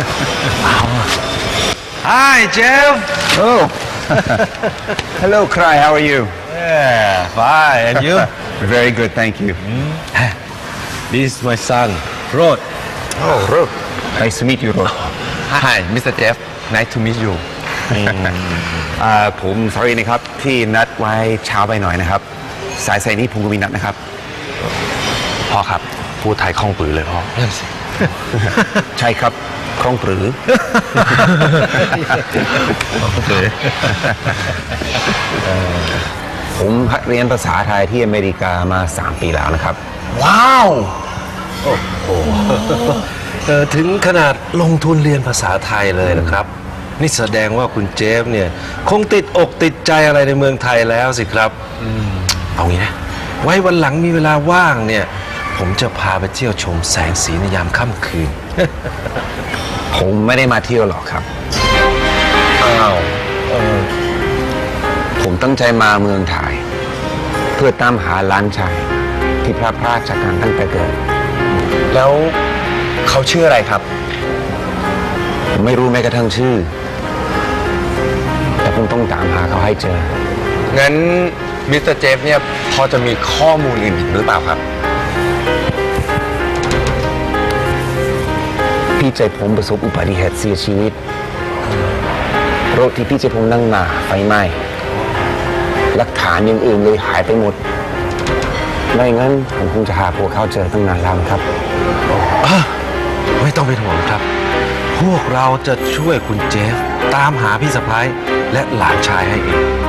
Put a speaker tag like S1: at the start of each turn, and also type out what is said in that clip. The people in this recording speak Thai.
S1: Hi, Jeff.
S2: Oh, hello, Cry. How are you?
S1: Yeah, fine. And you?
S2: Very good, thank you.
S1: This is my son, Rod.
S2: Oh, Rod. Nice to meet you, Rod.
S1: Hi, Mr. Jeff. Nice to meet you.
S2: ผม sorry นะครับที่นัดไว้เช้าไปหน่อยนะครับสายนี้ผมก็มีนัดนะครับ
S1: พ่อครับ พูดไทยคล่องปือเลยพ่อนั่นสิ
S2: ใช่ครับคล่องปรือ
S1: โอเค
S2: ผมเรียนภาษาไทยที่อเมริกามา3 ปีแล้วนะครับ
S1: ว้าว โอ้โหถึงขนาดลงทุนเรียนภาษาไทยเลยนะครับ นี่แสดงว่าคุณเจฟเนี่ยคงติดอกติดใจอะไรในเมืองไทยแล้วสิครับเอางี้นะ ไว้วันหลังมีเวลาว่างเนี่ย ผมจะพาไปเที่ยวชมแสงสีในยามค่ำคืน
S2: ผมไม่ได้มาเที่ยวหรอกครับ
S1: อ้าว
S2: ผมตั้งใจมาเมืองไทยเพื่อตามหาหลานชายที่พลาดพลาดจากการตั้งแต่เกิด
S1: แล้วเขาชื่ออะไรครับ
S2: ผมไม่รู้แม้กระทั่งชื่อ แต่ผมต้องตามหาเขาให้เจอ
S1: งั้นมิสเตอร์เจฟเนี่ยพอจะมีข้อมูลอื่นอีกหรือเปล่าครับ
S2: พี่ใจผมประสบอุบัติเหตุเสียชีวิตรถที่พี่ใจผมนั่งมาไฟไหม้หลักฐานอย่างอื่นเลยหายไปหมดไม่งั้นผมคงจะหาพวกเขาเจอตั้งนานแล้วครับ
S1: ไม่ต้องเป็นห่วงครับ พวกเราจะช่วยคุณเจฟตามหาพี่สะพ้ายและหลานชายให้เอง